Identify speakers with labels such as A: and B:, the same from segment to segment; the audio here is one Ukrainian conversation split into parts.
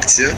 A: Редакція.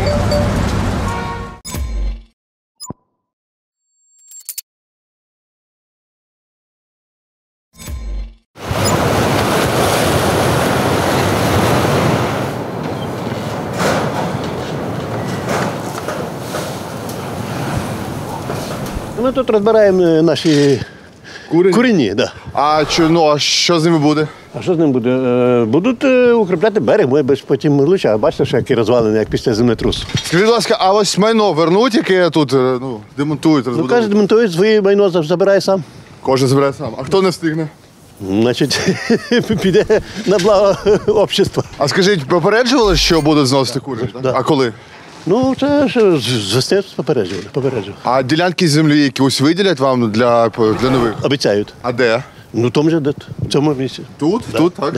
B: Ми тут розбираємо наші курені. Да.
C: А що з ними буде?
B: А що з ним буде? Будуть укріпляти берег, може потім лучше. А бачите, що які розвалини, як після землетрусу.
C: Скажіть, будь ласка, а ось майно вернуть, яке тут демонтують,
B: Ну,
C: розбудовують?
B: каже, демонтують своє майно, забирає сам.
C: Кожен збирає сам. А хто не встигне?
B: Значить, піде на благо общества.
C: А скажіть, попереджували, що будуть зносити курені?
B: Да.
C: А коли?
B: Ну, це ж з весни попереджували.
C: А ділянки землі якісь виділять вам для нових?
B: Обіцяють.
C: А де?
B: Ну, тому же, в цьому місці.
C: Тут?
B: Да.
C: Тут, так?
B: Да.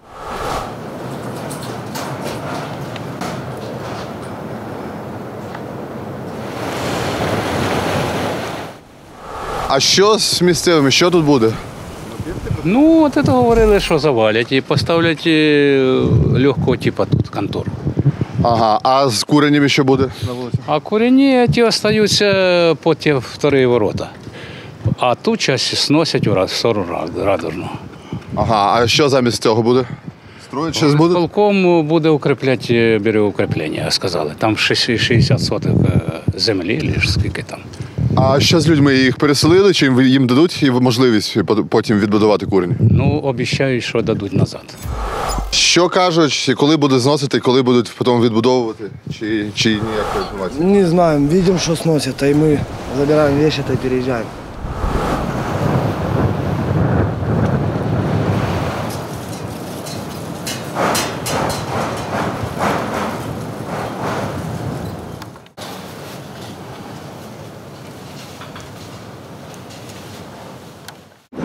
C: А що з місцевими? Що тут буде?
D: Ну, от це говорили, що завалять і поставлять легкого типу тут контору.
C: Ага, а з куренями що буде на вулиці?
D: А курені ті остаються по ті вторі ворота. А ту часть сносять в сторону Радужну.
C: Ага, а що замість цього буде? Строїть щось буде?
D: Полком буде укріпляти берегоукріплення, сказали. Там 60 соток землі, чи скільки там.
C: А що з людьми? Їх переселили, чи їм дадуть можливість потім відбудувати курені?
D: Ну, обіцяють, що дадуть назад.
C: Що кажуть, коли буде зносити, коли будуть потім відбудовувати? Чи ніякої інформації?
E: Не знаем, видим, что сносят, и мы забираем вещи и переезжаем.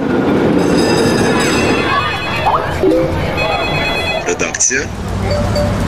A: Редакція.